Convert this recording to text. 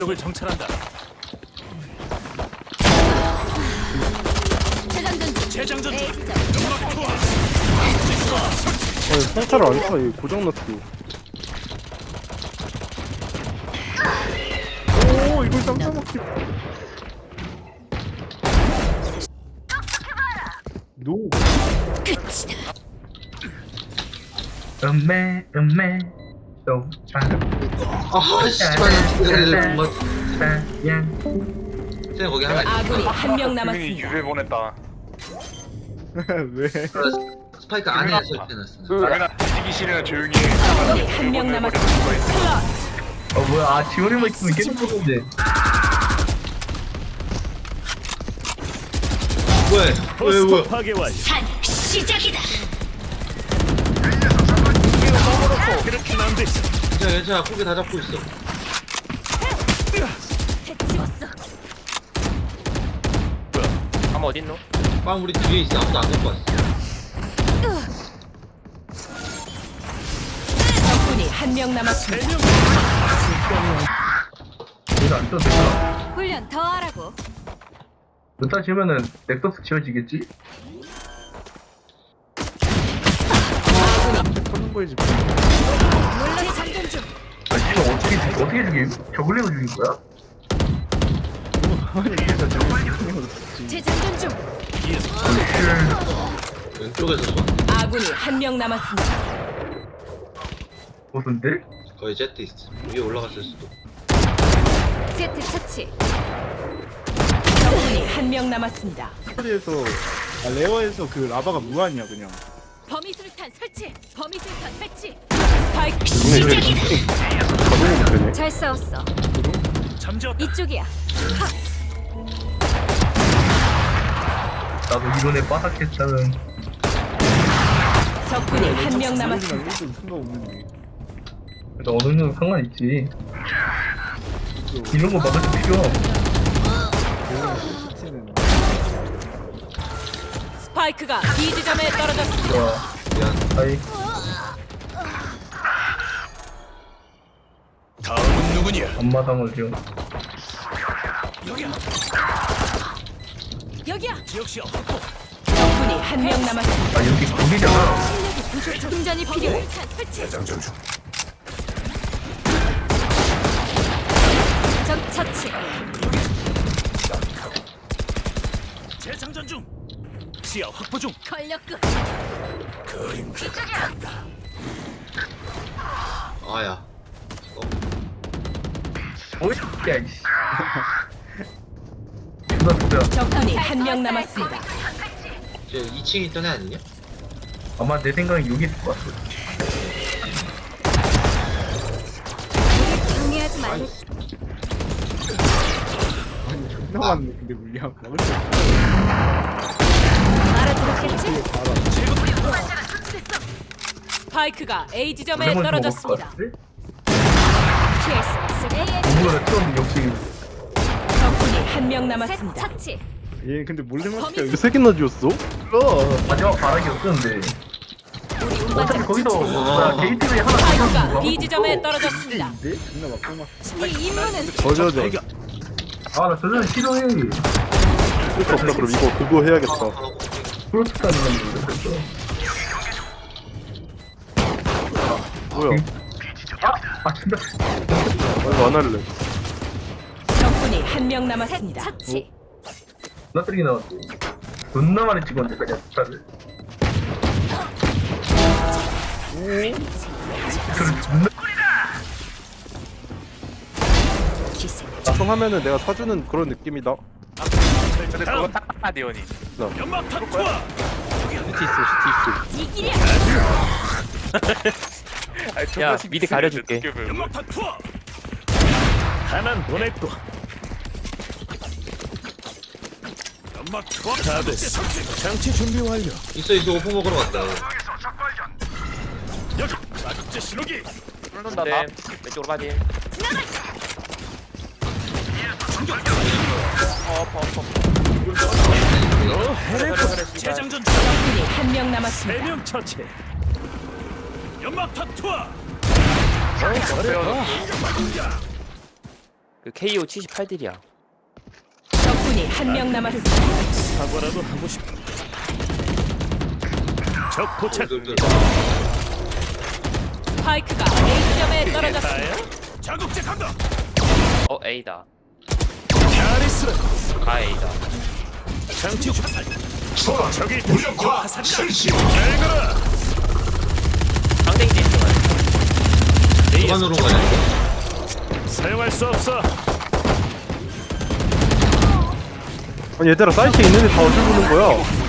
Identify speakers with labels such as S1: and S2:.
S1: 적을 정찰한다. 재장전 중. 연막 투하.
S2: 아니 상차를 안 타. 이거 고장났어. 오 이걸 깜짝 막히. 노.
S3: 끝이다.
S4: 음메 또
S5: 아 씨발 정말 쟤 거기 하나 있어.
S3: 아군이 한 명
S6: 분명히
S3: 남았습니다.
S6: 유배 보냈다.
S2: 왜?
S5: 스파이크 안에 설치해놨어.
S6: 당연한 뒤지기 싫으면 조용히 해.
S3: 아군이 한 명 남았습니다.
S4: 뭐야 지원이만 있으면 깨는 건데
S5: 왜
S1: 포스트 파괴 완료.
S3: 산 시작이다.
S1: 그렇게는 안 되지.
S5: 괜찮아 고개 다 잡고 있어.
S3: 해치웠어.
S7: 아마 어딨노?
S5: 빵 우리 뒤에 있어. 아무도 안 갖고 왔어.
S3: 적군이 한 명 남았습니다.
S4: 이거 안 써도 되잖아
S3: 훈련 더 하라고.
S4: 몇달 지으면은 넥서스 지워지겠지?
S2: 터는 거지.
S3: 물론 장전 중.
S4: 아 지금 어떻게 죽임? 저글링을 죽일 거야?
S2: 아니 이게 다 저거.
S3: 재장전 중.
S5: 왼쪽에서 봐.
S3: 아군이 한 명 남았습니다.
S4: 무슨데?
S5: 거의 제트 있어. 위에 올라갔을 수도.
S3: 제트 처치. 적군이 한 명 남았습니다.
S2: 스토리에서 레어에서 그 라바가 무한이야 그냥.
S3: 범위술탄 설치. 범위술탄 배치. 스파이크 시작이다.
S2: 가동이 되네.
S3: 잘 싸웠어.
S1: 잠재웠다.
S3: 이쪽이야.
S4: 나도 이번에 빠삭했다는
S3: 적군이 한 명 남았습니다.
S2: 상관없는데.
S4: 그래도 어느 정도 상관있지 이런 거 막을 때 필요
S3: 스파이크가 B 지점에 떨어졌습니다.
S4: 좋아
S5: 미안.
S4: 아이
S1: 다음은 누구냐?
S4: 앞마당을 지금
S1: 여기야.
S3: 여기야.
S1: 지역 시야 확보.
S3: 적군이 한 명 남았습니다.
S4: 아 여기 거기잖아
S3: 충전이 필요해. 설치.
S1: 재장전 중.
S3: 적 처치.
S1: 재장전 중. 시야 확보 중.
S3: 권력급.
S1: 그림자가 간다.
S5: 아야.
S4: 뭐야 이씨 존나 진짜
S3: 적군이 한 명 남았습니다.
S5: 쟤 2층에 있던 애 아니냐?
S4: 아마 내 생각엔 여기 있을 것 같아
S3: 경계하지 말고.
S2: 아니 존나 많네 근데 물량 막을 수 없어.
S3: 알아들었겠지?
S2: 알아.
S3: 스파이크가 A 지점에
S4: 레몬 먹을 것
S3: 떨어졌습니다.
S4: 같은데?
S3: 피할 수 없어.
S4: 동물원에 틀었는데 역시
S3: 적군이 한 명 남았습니다. 처치.
S2: 얘 근데 몰래 맞게 이거 세 개나 지웠어?
S4: 마지막 바락이 없었는데 어차피 거기서 뭐야 게이트웨이 하나
S3: 스파이크가
S4: 더
S3: B 지점에 떨어졌습니다.
S2: 인데? 존나 막고 막.
S3: 네 임무는
S2: 저저저.
S4: 아나 저는 싫어해
S2: 쓸수 없다 그럼 이거 그거 해야겠다.
S4: 프로스타는 모르겠어
S2: 뭐야?
S4: 아 진짜
S2: 이거 안 할래.
S3: 적군이 한 명 남았습니다. 처치.
S4: 나 쓰레기 나왔어 존나 많이 찍었는데 그냥 스타를 저를 존나
S3: 기세.
S2: 하면은 내가 사주는 그런 느낌이다.
S6: 근데 그거 딱 대원이.
S1: 연막 투하.
S2: 시티 있어 시티
S3: 이기랴.
S7: 야, 미리 가려줄게.
S1: 연막 투하. 하나는 보냈고. 연막 투하. 다 됐어. 장치 준비 완료.
S5: 있어 오픈 먹으러 갔다.
S1: 여기 자극제 신호기.
S7: 뚫는다 나. 왼쪽으로 빠짐.
S1: 재장전 중.
S3: 적군이 한 명 남았습니다.
S1: 3명 처치. 연막 투하.
S7: 그 KO 78딜이야.
S3: 적군이 한 명 남았습니다.
S1: 사과라도 하고 싶다. 적 포착.
S3: 스파이크가 A점에 떨어졌습니다.
S1: 자국제 간다.
S7: A다.
S1: 야리스라.
S7: A다.
S1: 장치 화살. 적이 무력화 실시. 잘 가라.
S7: 상대기 있지만.
S5: 그만 누른 거냐 이거?
S1: 사용할 수 없어.
S2: 아니 얘들아 사이트에 있는데 다 어디 보는 거야?